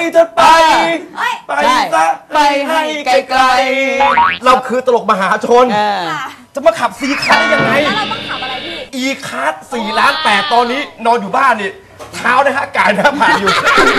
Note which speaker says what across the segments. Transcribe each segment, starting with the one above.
Speaker 1: เธอไปซะไปให้ไกลๆเราคือตลกมหาชนจะมาขับซีคัสได้ยังไง
Speaker 2: แล้วเราต้องขับอะไรพี่
Speaker 1: อีคัส4,8,000,000ตอนนี้นอนอยู่บ้านนี่เท้านะฮะกายนะผ่านอยู่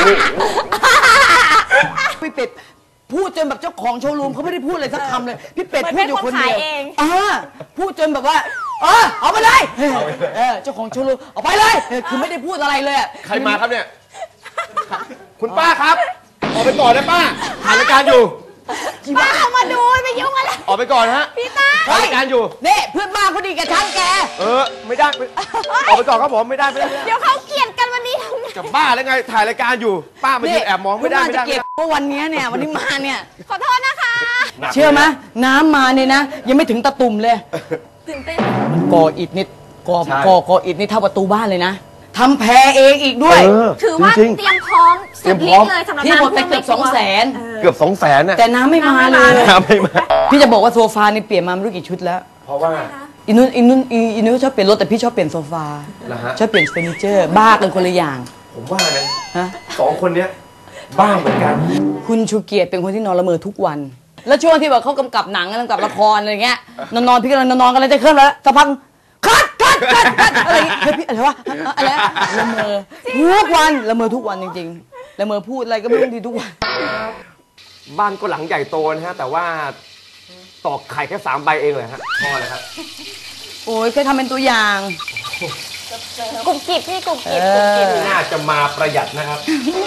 Speaker 3: พี่เป็ดพูดจนแบบเจ้าของโชว์รูมเขาไม่ได้พูดอะไรสักคำเลยพี่เป็ดพูดอยู่คนเดียวพูดจนแบบว่าเอาไปเลยเจ้าของโชว์รูมเอาไปเลยคือไม่ได้พูดอะไรเลย
Speaker 1: ใครมาครับเนี่ยคุณป้าครับออกไปก่อนนะป้าถ่ายรายการอยู่
Speaker 2: ป้าเอามาดูไม่ยุ่งอะไร
Speaker 1: ออกไปก่อนฮะ
Speaker 2: พี่ตา
Speaker 1: ถ่ายรายการอยู่
Speaker 3: นี่เพื่อนบ้านเขาดีกับฉันแก
Speaker 1: ไม่ได้ออกไปก่อนครับผมไม่ได้
Speaker 2: เดี๋ยวเขาเกลียดกันวันนี้
Speaker 1: กับบ้าแล้วไงถ่ายรายการอยู่ป้ามายืนแอบมองไม่ได้
Speaker 3: เพราะวันนี้เนี่ยวันนี้มาเนี่ย
Speaker 2: ขอโทษนะคะ
Speaker 3: เชื่อไหมน้ำมาเนี่ยนะยังไม่ถึงตะตุ่มเลย
Speaker 2: ตื่นเต้น
Speaker 3: ก่ออิฐนิดก่ออิฐนี่เท่าประตูบ้านเลยนะทำแพเองอีกด้วย
Speaker 2: ถือว่าเตรียมพร้อมสุดฤทธิ์เลยสำหรับ
Speaker 3: พี่หมดไปเกือบ200,000
Speaker 1: เกือบ200,000น่ะ
Speaker 3: แต่น้ำไม่มาเลยพี่จะบอกว่าโซฟานี่เปลี่ยนมาไม่รู้กี่ชุดแล้ว
Speaker 1: เพราะว่า
Speaker 3: อินุ่นชอบเปลี่ยนรถแต่พี่ชอบเปลี่ยนโซฟาชอบเปลี่ยนเฟอร์นิเจอร์บ้ากันคนละอย่าง
Speaker 1: ผมว่านะ2 คนเนี้ยบ้าเหมือนกัน
Speaker 3: คุณชูเกียรติเป็นคนที่นอนละเมอทุกวันแล้วช่วงที่แบบเขากำกับหนังกำกับละครอะไรเงี้ยนอนพี่กำลังนอนกันเลยจะเคลื่อนแล้วสักพักคัดอะไรพี่อะไรวะอะไรละเมอทุกวันละเมอทุกวันจริงๆละเมอพูดอะไรก็ไม่รู้ดีทุกวัน
Speaker 1: บ้านก็หลังใหญ่โตนะฮะแต่ว่าตอกไข่แค่3 ใบเองเลยฮะพอเลยครับ
Speaker 3: โอ้ยเคยทำเป็นตัวอย่าง
Speaker 2: กุบกิบพี่กุบกิบ
Speaker 1: น่าจะมาประหยัดนะครับ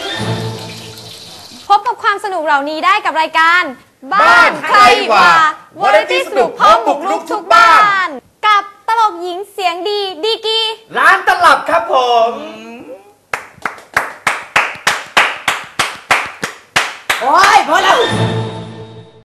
Speaker 2: พบกับความสนุกเหล่านี้ได้กับรายการบ้านใครวะวาไรตี้สนุกพร้อมบุกรุกทุกบ้านกับตลกหญิงเสียงดีกี
Speaker 1: ร้านตลับครับผม
Speaker 3: โอ้ยพอแล้ว